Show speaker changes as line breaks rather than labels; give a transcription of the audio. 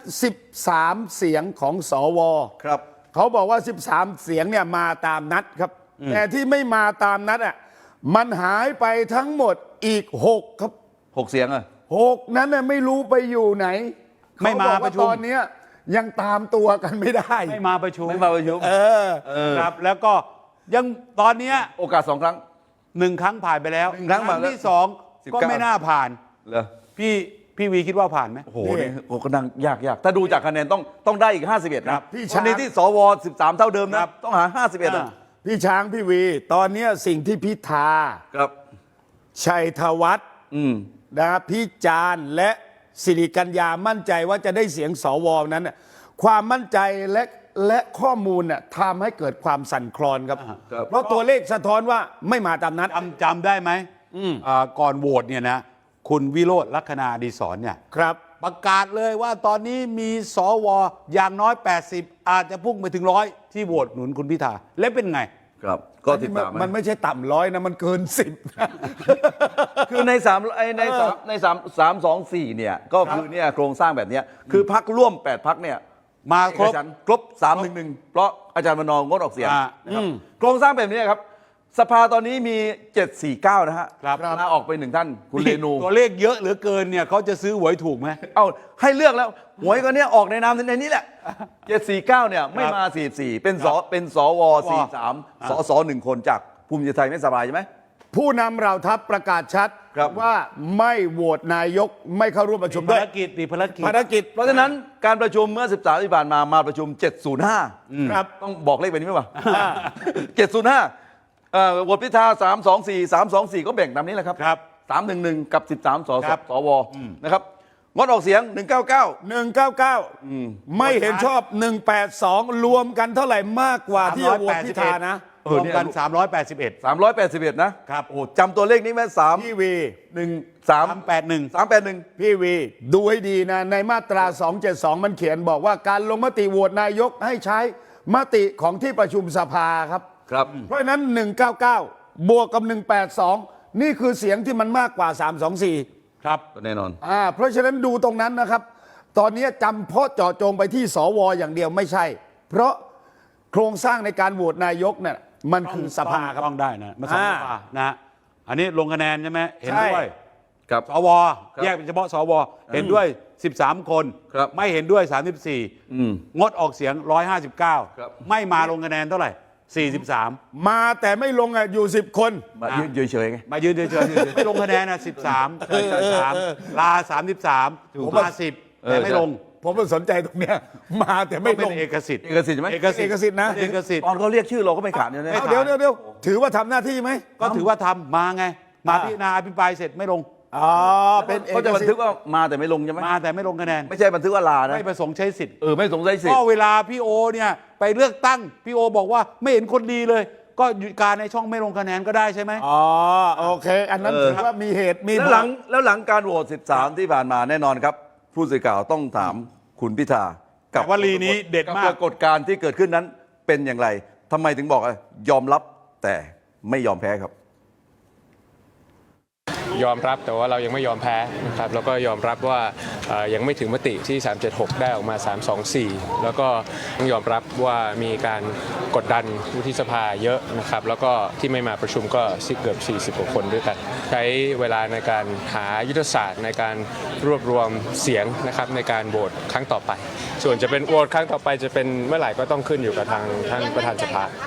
13 เสียงของสว
ครับ
เขาบอกว่า13 เสียงเนี่ยมาตามนัดครับแต่ที่ไม่มาตามนัดอ่ะมันหายไปทั้งหมดอีก6ครับ
6 เสียงอ่ะ
6นั้นน่ะไม่รู้ไปอยู่ไหน
ไม่มาประชุม
ตอนนี้ยังตามตัวกันไม่ได้
ไม่มาประชุม
ครับ
แล้วก็ยังตอนนี้
โอกาส2 ครั้ง
1 ครั้งผ่านไปแล้ว
1 ครั้ง
ที่2ก็ไม่น่าผ่าน
เหรอ
พี่วีคิดว่าผ่านไหม
โอ้โหนี่ก็นั่งยากถ้าดูจากคะแนนต้องได้อีก51นะ
พี่
ช้างที่สว13 เท่าเดิมนะต้องหา51อ่ะ
พี่ช้างพี่วีตอนนี้สิ่งที่พิธา
ครับ
ชัยธวัฒน์นะพิจารณ์และสิริกัญญามั่นใจว่าจะได้เสียงสวนั้นความมั่นใจและข้อมูลน่ะทำให้เกิดความสั่นคลอนครับเพราะตัวเลขสะท้อนว่าไม่มาตามนัด
จำได้ไหมก่อนโหวตเนี่ยนะคุณวิโรจน์ลัคนาอดีศรเนี่ย
ครับ
ประกาศเลยว่าตอนนี้มีสวอย่างน้อย80อาจจะพุ่งไปถึง100ที่โหวตหนุนคุณพิธาและเป็นไง
ครับก็ติดตาม
มันไม่ใช่ต่ำ100นะมันเกิน10
คือใน324เนี่ยก็คือเนี่ยโครงสร้างแบบนี้คือพรรคร่วม8 พรรคเนี่ย
มา
ครบ311เพราะอาจารย์มนงดออกเสียงนะครับโครงสร้างแบบนี้ครับสภาตอนนี้มี749นะฮะลาออกไป1 ท่านคุณเรนู
ตัวเลขเยอะเหลือเกินเนี่ยเขาจะซื้อหวยถูกไหม
เอาให้เลือกแล้วหวยก็เนี่ยออกในนามในนี้แหละ749เนี่ยไม่มา44เป็นสว43สส1 คนจากภูมิใจไทยไม่สบายใช่ไหม
ผู้นำเราทัพประกาศชัดว่าไม่โหวตนายกไม่เข้าร่วมประชุมด้วยภาร
กิจ
เพ
ราะฉะนั้นการประชุมเมื่อ13ที่ผ่านมาประชุม705
ครับ
ต้องบอกเลขแบบนี้ไหมวะ705โหวตพิธา324ก็แบ่งตามนี้แหละครับ311กับ13สวนะครับงดออกเสียง
199ไม่เห็นชอบ182รวมกันเท่าไหร่มมากกว่าที่โหวตพิธานะ
รวมกัน
381นะครับโอ้จำตัวเลขนี้ไหม3
พี่วี
381
พี่วีดูให้ดีนะในมาตรา272มันเขียนบอกว่าการลงมติโหวตนายกให้ใช้มติของที่ประชุมสภาครับเพราะฉะนั้น199บวกกับ182นี่คือเสียงที่มันมากกว่า324
ครับ
แน่นอน
เพราะฉะนั้นดูตรงนั้นนะครับตอนนี้จำเพาะเจาะจงไปที่สวอย่างเดียวไม่ใช่เพราะโครงสร้างในการโหวตนายกเนี่ยมันคือสภาครับ
ต้องได้นะมาสภานะอันนี้ลงคะแนนใช่ไหมเห็นด้วย
กับ
สวแยกเป็นเฉพาะสวเห็นด้วย13 คนไม่เห็นด้วย34งดออกเสียง159ไม่มาลงคะแนนเท่าไหร่43
มาแต่ไม่ลงอยู่10 คน
มายืนเฉยไง
มายืนเฉยไม่ลงคะแนน13ลา33มา10แต่ไม่ลง
ผมสนใจตรงเนี้ยมาแต่ไม่ลง
เอกสิทธิ์
ใช่ไหม
เอกสิทธิ์นะ
ตอนเขาเรียกชื่อเราก็ไม่ขาดเนี่ย
เดี๋ยวถือว่าทำหน้าที่ไหม
ก็ถือว่าทำมาไงมาพิจารณาอภิปรายเสร็จไม่ลง
เป็น
เขาจะบันทึกว่ามาแต่ไม่ลงใช่ไหม
มาแต่ไม่ลงคะแนน
ไม่ใช่บันทึกว่าลานะ
ไม่ประสงค์ใช้สิทธิ์
ไม่ประสงค์ใช้สิทธิ์
ก็เวลาพี่โอเนี่ยไปเลือกตั้งพี่โอบอกว่าไม่เห็นคนดีเลยก็หยุดการในช่องไม่ลงคะแนนก็ได้ใช่ไหม
โอเคอันนั้นถือว่ามีเหตุมี
แล้วหลังการโหวต13ที่ผ่านมาแน่นอนครับผู้สื่อข่าวต้องถามคุณพิธา
กับวลีนี้เด็ดมาก
ปรากฏการณ์ที่เกิดขึ้นนั้นเป็นอย่างไรทำไมถึงบอกยอมรับแต่ไม่ยอมแพ้ครับ
ยอมรับแต่ว่าเรายังไม่ยอมแพ้นะครับแล้วก็ยอมรับว่ายังไม่ถึงมติที่376ได้ออกมา324แล้วก็ต้องยอมรับว่ามีการกดดันวุฒิสภาเยอะนะครับแล้วก็ที่ไม่มาประชุมก็เกือบ40 กว่าคนด้วยกันใช้เวลาในการหายุทธศาสตร์ในการรวบรวมเสียงนะครับในการโหวตครั้งต่อไปส่วนจะเป็นโหวตครั้งต่อไปจะเป็นเมื่อไหร่ก็ต้องขึ้นอยู่กับทางท่านประธานสภา